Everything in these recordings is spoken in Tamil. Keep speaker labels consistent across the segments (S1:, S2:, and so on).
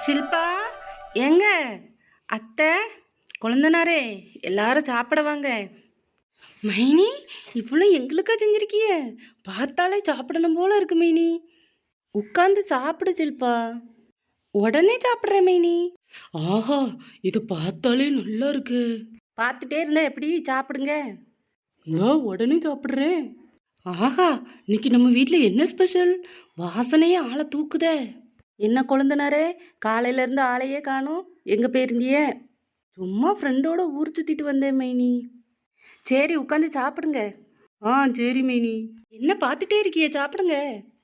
S1: ஷில்பா, எங்க அத்தை, கொழுந்தனாரே, எல்லாரும் சாப்பிட வாங்க. மைனி, இவ்வளோ எங்களுக்கா செஞ்சிருக்கிய? பார்த்தாலே சாப்பிடணும் போல இருக்கு மைனி. உட்காந்து சாப்பிடு ஷில்பா. உடனே சாப்பிட்றேன் மைனி. ஆஹா, இது பார்த்தாலே நல்லா இருக்கு. பார்த்துட்டே இருந்தா எப்படி? சாப்பிடுங்க. நான் உடனே சாப்பிட்றேன். ஆஹா, இன்னைக்கு நம்ம வீட்டில் என்ன ஸ்பெஷல்? வாசனையே ஆளை தூக்குதே. என்ன கொழுந்தனாரே, காலையில இருந்து ஆளையே காணோம், எங்க போயிருந்திய? சும்மா ஃப்ரெண்டோட ஊர் சுத்திட்டு வந்தேன் மைனி. சரி, உட்காந்து சாப்பிடுங்க. சரி மைனி. என்ன பார்த்துட்டே இருக்கிய? சாப்பிடுங்க.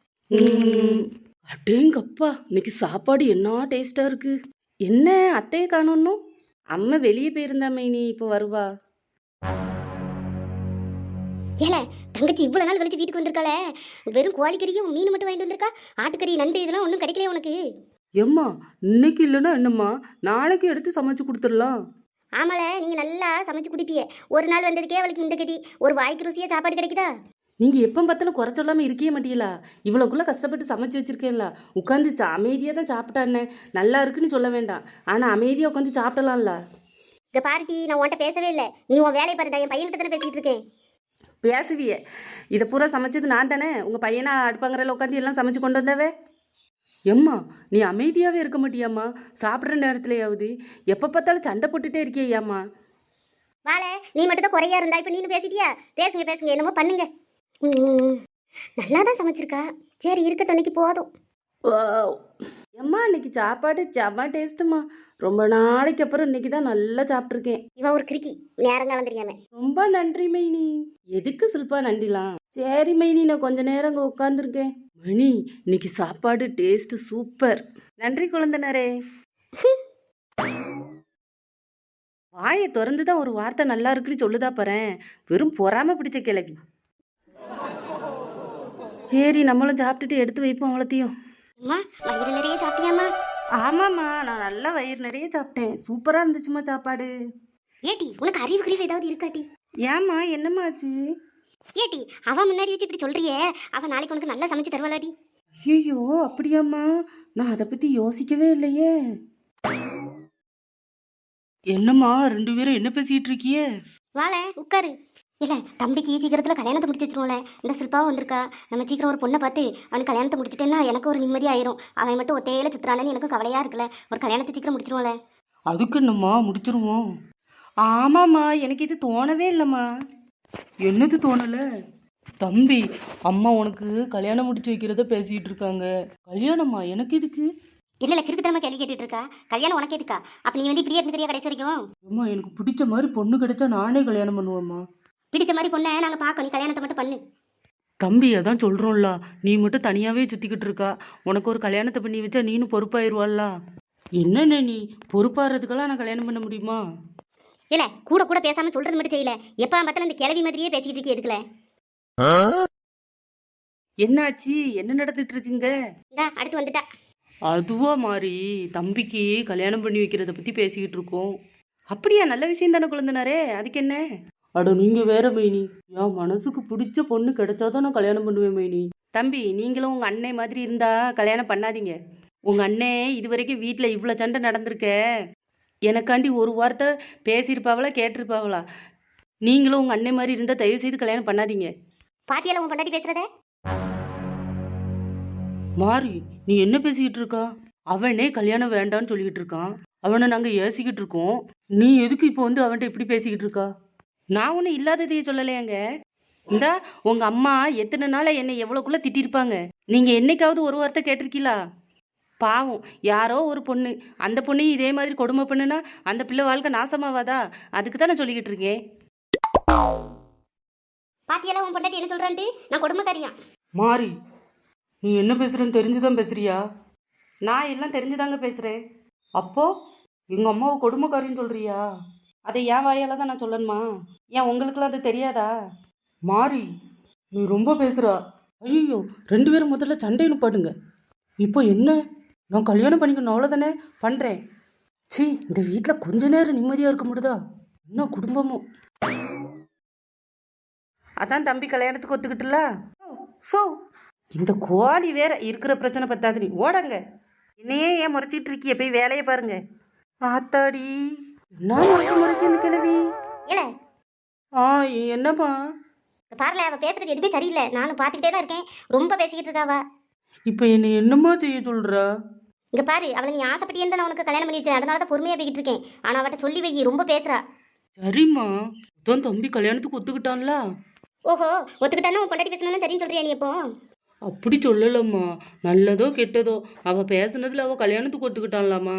S1: அடேங்கப்பா, இன்னைக்கு சாப்பாடு என்ன டேஸ்டா இருக்கு. என்ன அத்தையை காணோன்னு? அம்மா வெளியே போயிருந்தா மைனி, இப்போ வருவா.
S2: ஏல தங்கச்சி இவ்வளவு நாள் கழிச்சு வீட்டுக்கு வந்திருக்காளே, வெறும் கோழிக்கறியும் மீன் மட்டும் வாங்கிட்டு வந்திருக்கா? ஆட்டுக்கறி நண்டு இதெல்லாம் ஒன்றும் கிடைக்கல உனக்கு?
S1: எம்மா, இன்னைக்கு இல்லைன்னா என்னம்மா, நாளைக்கு எடுத்து சமைச்சு கொடுத்துடலாம்.
S2: ஆமால, நீங்க நல்லா சமைச்சு குடிப்பியே. ஒரு நாள் வந்ததுக்கே அவளுக்கு இந்த கதி. ஒரு வாய்க்கு ருசியா சாப்பாடு கிடைக்குதா?
S1: நீங்க எப்போ பார்த்தாலும் குறை சொல்லாம இருக்கே மாட்டீங்களா? இவ்வளோக்குள்ள கஷ்டப்பட்டு சமைச்சு வச்சிருக்கேன்ல, உட்காந்து அமைதியாக தான் சாப்பிட்டானே. நல்லா இருக்குன்னு சொல்ல வேண்டாம், ஆனா அமைதியா உட்காந்து சாப்பிடலாம்ல.
S2: இங்க பாருட்டி, நான் உன்கிட்ட பேசவே இல்லை. நீ உன் வேலையை பாருடா. என் பையன்கிட்ட தானே பேசிட்டு இருக்கேன்.
S1: பேசுவியே, இதை பூரா சமைச்சது நான் தானே. உங்க பையனா அடுப்பாங்கறையில் உட்காந்து எல்லாம் சமைச்சு கொண்டு வந்தவே. எம்மா, நீ அமைதியாவே இருக்க மாட்டியாம்மா? சாப்பிட்ற நேரத்துலயாவது எப்போ பார்த்தாலும் சண்டை போட்டுட்டே இருக்கியாம்மா?
S2: வாழ, நீ மட்டும் தான் குறையா இருந்தா. இப்போ நீனு பேசிட்டியா? பேசுங்க பேசுங்க, என்னமோ பண்ணுங்க. நல்லா தான் சமைச்சிருக்கா. சரி இருக்கட்டும், இன்னைக்கு போதும்.
S1: எம்மா, இன்னைக்கு சாப்பாடு செம்ம டேஸ்ட்டுமா. ரொம்ப நாளைக்கு அப்புறம் இன்னைக்கு தான் நல்லா சாப்பிட்ருக்கேன்.
S2: இவன் ஒரு கிறுக்கி, நேரங்காலம் தெரியாம.
S1: ரொம்ப நன்றி மைனி. எதுக்கு சில்பா நன்றிலாம்? சரி மைனி, நான் கொஞ்ச நேரம் அங்கே உட்காந்துருக்கேன். மணி, இன்னைக்கு சாப்பாடு டேஸ்ட் சூப்பர். நன்றி குழந்தனாரே. வாயை திறந்து தான் ஒரு வார்த்தை நல்லா இருக்குன்னு சொல்லுதா பாறேன். வெறும் பொறாம பிடிச்ச கிளவி. சரி, நம்மளும் சாப்பிட்டுட்டு எடுத்து வைப்போம் அவ்வளோத்தையும்.
S2: அம்மா, வயிறு நிறைய சாப்பிட்டியாம்மா?
S1: ஆமாம்மா, நான் நல்லா வயிறு நிறைய சாப்பிட்டேன். சூப்பராக இருந்துச்சுமா சாப்பாடு.
S2: ஏட்டி, உனக்கு அறிவு கிழிவு ஏதாவது இருக்காட்டி?
S1: ஏம்மா, என்னம்மா ஆச்சு?
S2: ஏட்டி, அவன் முன்னாடி வச்சு இப்படி சொல்றியே, அவன் நாளைக்கு உனக்கு நல்லா சமைச்சு தருவாளாடி.
S1: ஐயோ, அப்படியாம்மா? நான் அதை பற்றி யோசிக்கவே இல்லையே. என்னம்மா, ரெண்டு பேரும் என்ன பேசிட்டு இருக்கியே?
S2: வாழ, உட்காரு. இல்லை, தம்பிக்கு சீக்கிரத்தில் கல்யாணத்தை முடிச்சு வச்சிருவோம்ல. இந்த சில்பாவும் வந்திருக்கா. நம்ம சீக்கிரம் ஒரு பொண்ணை பார்த்து அவனுக்கு கல்யாணத்தை முடிச்சுட்டேன்னா எனக்கு ஒரு நிம்மதி ஆயிரும். அவன் மட்டும் ஒத்தையில சுற்றுறானேன்னு எனக்கும் கவலையாக இருக்குல்ல. ஒரு கல்யாணத்தை சீக்கிரம் முடிச்சிருவோம்ல.
S1: அதுக்கு என்னம்மா, முடிச்சிருவோம். ஆமாம்மா, எனக்கு இது தோணவே இல்லைம்மா. என்னது தோணலை? தம்பி, அம்மா உனக்கு கல்யாணம் முடிச்சு வைக்கிறத பேசிட்டு இருக்காங்க. கல்யாணமா? எனக்கு இதுக்கு
S2: இல்லை, கிறுக்குத்தனமா கேள்வி கேட்டுட்டு இருக்கா. கல்யாணம் உனக்கு எதுக்கா? அப்போ நீ வந்து இப்படியே இருந்துக்கிறியா கடைசி வரைக்கும்?
S1: அம்மா, எனக்கு பிடிச்ச மாதிரி பொண்ணு கிடைச்சா நானே கல்யாணம் பண்ணுவேம்மா.
S2: பிடிச்ச மாதிரி பொண்ணை நாங்கள் பார்க்கணும். நீ கல்யாணத்தை மட்டும் பண்ணு.
S1: தம்பி, அதான் சொல்கிறோம்ல, நீ மட்டும் தனியாகவே சுற்றிக்கிட்டு இருக்கா. உனக்கு ஒரு கல்யாணத்தை பண்ணி வச்சா நீனும் பொறுப்பாயிருவாள்ல. என்னென்ன நீ பொறுப்பாகிறதுக்கெல்லாம் நான் கல்யாணம் பண்ண முடியுமா?
S2: இல்லை, கூட கூட பேசாமல் சொல்கிறது மட்டும் செய்யல. எப்போ பார்த்தாலும் இந்த கிளவி மாதிரியே பேசிக்கிட்டு இருக்கே, எதுக்குல?
S1: என்னாச்சு? என்ன நடந்துட்டு இருக்குங்க?
S2: இந்தா அடுத்து வந்துட்டா.
S1: அதுவா மாறி, தம்பிக்கு கல்யாணம் பண்ணி வைக்கிறத பற்றி பேசிக்கிட்டு இருக்கோம். அப்படியா? நல்ல விஷயம் தானே குழந்தனாரே, அதுக்கு என்ன? அட நீங்கள் வேற மைனி, என் மனசுக்கு பிடிச்ச பொண்ணு கிடைச்சாதான் நான் கல்யாணம் பண்ணுவேன் மைனி. தம்பி, நீங்களும் உங்கள் அண்ணன் மாதிரி இருந்தா கல்யாணம் பண்ணாதீங்க. உங்கள் அண்ணன் இது வரைக்கும் வீட்டில் இவ்வளோ சண்டை நடந்திருக்க. எனக்காண்டி ஒரு வார்த்தை பேசியிருப்பாவளா, கேட்டிருப்பாவளா? நீங்களும் உங்கள் அண்ணன் மாதிரி இருந்தால் தயவு செய்து கல்யாணம் பண்ணாதீங்க.
S2: பாத்தியால உன் பொண்டாட்டி பேசுறதே?
S1: மாறி, நீ என்ன பேசிக்கிட்டு இருக்கா? அவனே கல்யாணம் வேண்டான்னு சொல்லிக்கிட்டு இருக்கான். அவனை நாங்கள் ஏசிக்கிட்டு இருக்கோம். நீ எதுக்கு இப்போ வந்து அவன்கிட்ட இப்படி பேசிக்கிட்டு இருக்கா? நான் ஒன்றும் இல்லாததையே சொல்லலையாங்க. இந்தா உங்கள் அம்மா எத்தனை நாளை என்னை எவ்வளோக்குள்ளே திட்டிருப்பாங்க. நீங்கள் என்னைக்காவது ஒரு வார்த்தை கேட்டிருக்கீங்களா? பாவம், யாரோ ஒரு பொண்ணு, அந்த பொண்ணையும் இதே மாதிரி கொடுமை பண்ணுனா அந்த பிள்ளை வாழ்க்கை நாசமாவாதா? அதுக்கு தான் நான் சொல்லிக்கிட்டு இருக்கேன்.
S2: பாத்தியால உன் பொண்டாட்டி என்ன சொல்றான்ட்டு? நான் கொடுமைக்காரியான்.
S1: மாறி, நீ என்ன பேசுறன்னு தெரிஞ்சுதான் பேசுறியா? நான் எல்லாம் தெரிஞ்சுதாங்க பேசுகிறேன். அப்போ எங்கள் அம்மாவை கொடுமைக்காரின்னு சொல்கிறியா? அதை என் வாயால் தான் நான் சொல்லணுமா? ஏன் உங்களுக்குலாம் அது தெரியாதா? மாறி, நீ ரொம்ப பேசுகிறா. ஐயோ, ரெண்டு பேரும் முதல்ல சண்டை நிப்பாட்டுங்க. இப்போ என்ன? நான் கல்யாணம் பண்ணிக்கணும் அவ்வளோதானே, பண்ணுறேன். சி, இந்த வீட்டில் கொஞ்ச நேரம் நிம்மதியாக இருக்க முடியுதா? என்ன குடும்பமும். அதான் தம்பி கல்யாணத்துக்கு ஒத்துக்கிட்டுல. ஸோ இந்த கோழி வேற இருக்கிற பிரச்சனை பத்தாது, நீ ஓடங்க. என்னையே ஏன் முறைச்சிட்டு இருக்கிய? போய் வேலையை பாருங்க. ஆத்தாடி, என்ன முறைக்கு இந்த கிழவி?
S2: இல்ல
S1: ஆ, என்னம்மா?
S2: பாருல, அவ பேசுறது எதுவுமே சரியில்லை. நானும் பார்த்துக்கிட்டே தான் இருக்கேன். ரொம்ப பேசிக்கிட்டு இருக்காவ.
S1: இப்போ என்னை என்னம்மா செய்ய சொல்றா?
S2: இங்க பாரு, அவளை நீ ஆசைப்பட்டியே நான் உனக்கு கல்யாணம் பண்ணி வச்சேன். அதனால தான் பொறுமையா போய்கிட்டு இருக்கேன். ஆனா அவட்ட சொல்லி வை, ரொம்ப பேசுறா.
S1: சரிம்மா, அதான் தம்பி கல்யாணத்துக்கு ஒத்துக்கிட்டான்ல.
S2: ஓஹோ, ஒத்துக்கிட்டானா உன் பொண்டாட்டி பேசணும்னு சரின்னு சொல்றியா நீ? இப்போ
S1: அப்படி சொல்லலம்மா, நல்லதோ கெட்டதோ அவ பேசுனதுல அவ கல்யாணத்துக்கு ஒத்துக்கிட்டான்லாமா.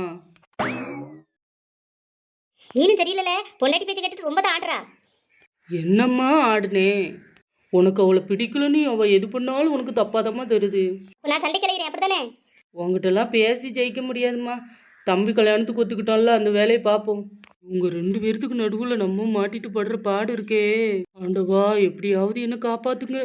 S2: நீனும் சரியில்லைல, பொண்டாட்டி பேச்சு கேட்டுட்டு ரொம்ப தான் ஆடுறா.
S1: என்னம்மா ஆடுனே? உனக்கு அவளை பிடிக்கலன்னு அவ எது பண்ணாலும் உனக்கு தப்பாதம்மா தருது.
S2: நான் சண்டை கிளையிறேன், அப்படித்தானே?
S1: உங்ககிட்டலாம் பேசி ஜெயிக்க முடியாதும்மா. தம்பி கல்யாணத்துக்கு ஒத்துக்கிட்டான்ல, அந்த வேலையை பார்ப்போம். உங்க 2 பேர்த்துக்கு நடுவுல நம்ம மாட்டிட்டு படுற பாடு இருக்கே. ஆண்டவா, எப்படியாவது என்ன காப்பாத்துங்க.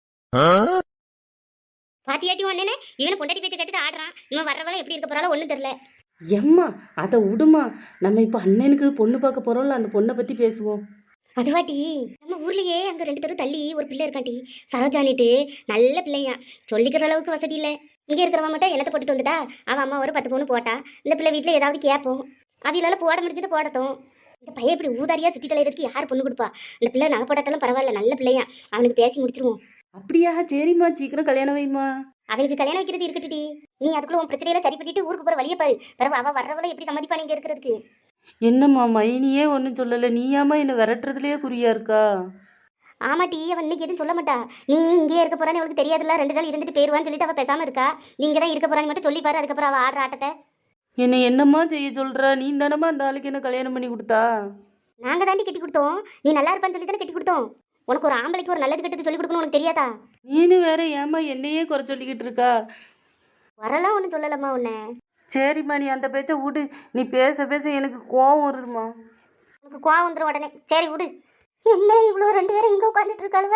S2: பாத்தியாட்டி ஒன்னே, இவனை பொண்டாட்டி பேச்சு கேட்டுட்டு ஆடுறான். இவன் வர்றவளை எப்படி இருக்க போறாலும் ஒன்றும் தெரியல.
S1: எம்மா, அதை விடுமா. நம்ம இப்போ அண்ணனுக்கு பொண்ணு பார்க்க போறோம்ல, அந்த பொண்ணை பத்தி பேசுவோம்.
S2: அதுவாட்டி, நம்ம ஊர்லயே அங்க 2 தெரு தள்ளி ஒரு பிள்ளை இருக்காண்டி, சரோஜானிட்டு. நல்ல பிள்ளையா, சொல்லிக்கிற அளவுக்கு வசதி இல்லை. இங்கே இருக்கிறவன் மட்டும் என்னத்தை போட்டுட்டு வந்துட்டா. அவன் அம்மா ஒரு 10 பவுன் போட்டா. இந்த பிள்ளை வீட்டில் ஏதாவது கேட்போம். அவையிலால போட முடிஞ்சது போடட்டும். இந்த பையன் இப்படி ஊதாரியா சுற்றி தலையிறதுக்கு யார் பொண்ணு கொடுப்பா? இந்த பிள்ளை நகை போட்டாட்டாலும் பரவாயில்ல, நல்ல பிள்ளையா. அவனுக்கு பேசி முடிச்சிருவோம்.
S1: அப்படியா? சரிம்மா, சீக்கிரம் கல்யாணம் வைம்மா.
S2: அவனுக்கு கல்யாணம் வைக்கிறது இருக்கட்டுடி. நீ அதுக்குள்ள உன் பிரச்சனையில சரி பண்ணிட்டு ஊருக்கு போற வழியை பாரு. பிறகு அவ வர்றவளை எப்படி சம்மதிப்பா நீங்க இருக்கிறதுக்கு?
S1: என்னம்மா, மைனியே ஒன்றும் சொல்லலை, நீயாம்மா என்னை விரட்டுறதுலயே குறியா இருக்கா?
S2: ஆமாட்டி, அவன் இன்னைக்கு எதுவும் சொல்ல மாட்டா. நீ இங்கேயே இருக்க போறான்னு அவளுக்கு தெரியாதுல்ல. 2 நாள் இருந்துட்டு போயிருவான்னு சொல்லிட்டு அவ பேசாம இருக்கா. நீங்க தான் இருக்க போறான்னு மட்டும் சொல்லி பாரு. அதுக்கப்புறம் அவ ஆடுற ஆட்டத்தை.
S1: என்னை என்னம்மா செய்ய சொல்றா? நீ தானம்மா அந்த ஆளுக்கு என்ன கல்யாணம் பண்ணி கொடுத்தா?
S2: நாங்க தாண்டி கட்டி கொடுத்தோம். நீ நல்லா இருப்பான்னு சொல்லி தானே கட்டி கொடுத்தோம். உனக்கு ஒரு ஆம்பளைக்கு ஒரு நல்லது கெட்டது சொல்லி கொடுக்கணும் உனக்கு தெரியாதா?
S1: நீனு வேற ஏம்மா என்னையே குறை சொல்லிக்கிட்டு இருக்கா?
S2: வரலாம் ஒன்றும் சொல்லலம்மா உன்னை.
S1: சரிம்மா, நீ அந்த பேச்சை விடு. நீ பேச பேச எனக்கு கோவம் வருதுமா.
S2: உனக்கு கோவம் வந்துடும் உடனே. சரி விடு. என்ன இவ்வளோ 2 பேரும் இங்கே உட்காந்துட்டு இருக்காளுவ?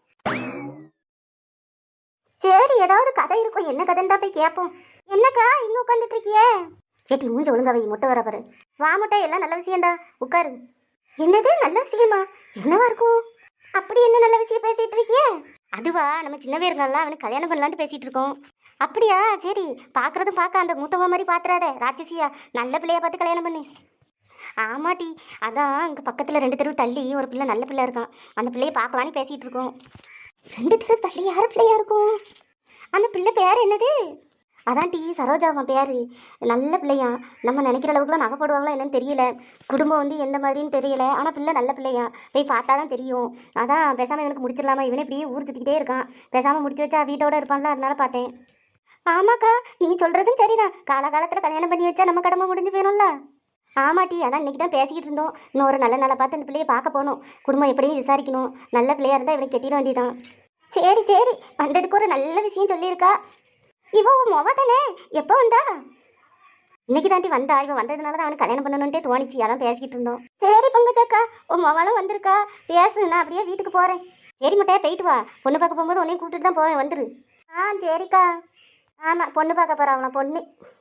S2: சரி, ஏதாவது கதை இருக்கும். என்ன கதைன்னு தான் போய் கேட்போம். என்னக்கா இங்கே உட்காந்துட்டு இருக்கியே? கேட்டி மூஞ்ச ஒழுங்காவை, முட்டை வர பாரு. வா முட்டை, எல்லாம் நல்ல விஷயம்டா, உட்காரு. என்னது நல்ல விஷயமா? என்னவா இருக்கும்? அப்படி என்ன நல்ல விஷயம் பேசிட்டு இருக்கியே? அதுவா, நம்ம சின்னவே இருந்தால அவனுக்கு கல்யாணம் பண்ணலான்ட்டு பேசிட்டு இருக்கோம். அப்படியா? சரி, பார்க்கறதும் பார்க்க அந்த மூத்தவ மாதிரி பாத்துறாத, ராட்சசியா. நல்ல பிள்ளையா பார்த்து கல்யாணம் பண்ணு. ஆமாட்டி, அதான் இங்கே பக்கத்தில் 2 தெரு தள்ளி ஒரு பிள்ளை நல்ல பிள்ளை இருக்கான். அந்த பிள்ளையை பார்க்கலான்னு பேசிகிட்டு இருக்கோம். 2 தெரு தள்ளி யார் பிள்ளையா இருக்கும்? அந்த பிள்ளை பேர் என்னது? அதான் சரோஜாவன் பேர். நல்ல பிள்ளையா. நம்ம நினைக்கிற அளவுக்குலாம் நகை போடுவாங்களா என்னன்னு தெரியல. குடும்பம் வந்து எந்த மாதிரின்னு தெரியல. ஆனால் பிள்ளை நல்ல பிள்ளையா. போய் பார்த்தா தான் தெரியும். அதான் பேசாமல் இவனுக்கு முடிச்சிடலாமா? இவனே இப்படியே ஊர் சுற்றிக்கிட்டே இருக்கான். பேசாமல் முடிச்சு வச்சா வீட்டோட இருப்பான்ல, அதனால பார்த்தேன். ஆமாக்கா, நீ சொல்கிறதும் சரிதான். காலகாலத்தில் கல்யாணம் பண்ணி வச்சா நம்ம கடமை முடிஞ்சு போயிடும்ல. ஆமாட்டி, அதான் இன்றைக்கி தான் பேசிக்கிட்டு இருந்தோம். இன்னும் ஒரு நல்ல நாளை பார்த்து அந்த பிள்ளையை பார்க்க போகணும். குடும்பம் எப்படின்னு விசாரிக்கணும். நல்ல பிள்ளையாக இருந்தால் இவனுக்கு கட்டிட வேண்டியதான். சரி சரி, வந்ததுக்கு ஒரு நல்ல விஷயம் சொல்லியிருக்கா. இவன் உன் மொவ தானே? எப்போ வந்தா? இன்னைக்கு தாண்டி வந்தா. இவன் வந்ததுனால தான் அவனுக்கு கல்யாணம் பண்ணணுன்ட்டே தோணிச்சு. அதான் பேசிக்கிட்டு இருந்தோம். சரி பங்கஜக்கா, உன் மொவளும் வந்திருக்கா. பேசு, நான் அப்படியே வீட்டுக்கு போகிறேன். சரி முட்டையா, போயிட்டு வா. பொண்ணு பார்க்க போகும்போது உன்னையும் கூப்பிட்டுட்டு தான் போவேன், வந்துரு. ஆ சரிக்கா. ஆமாம், பொண்ணு பார்க்க போகிறான் அவனை, பொண்ணு.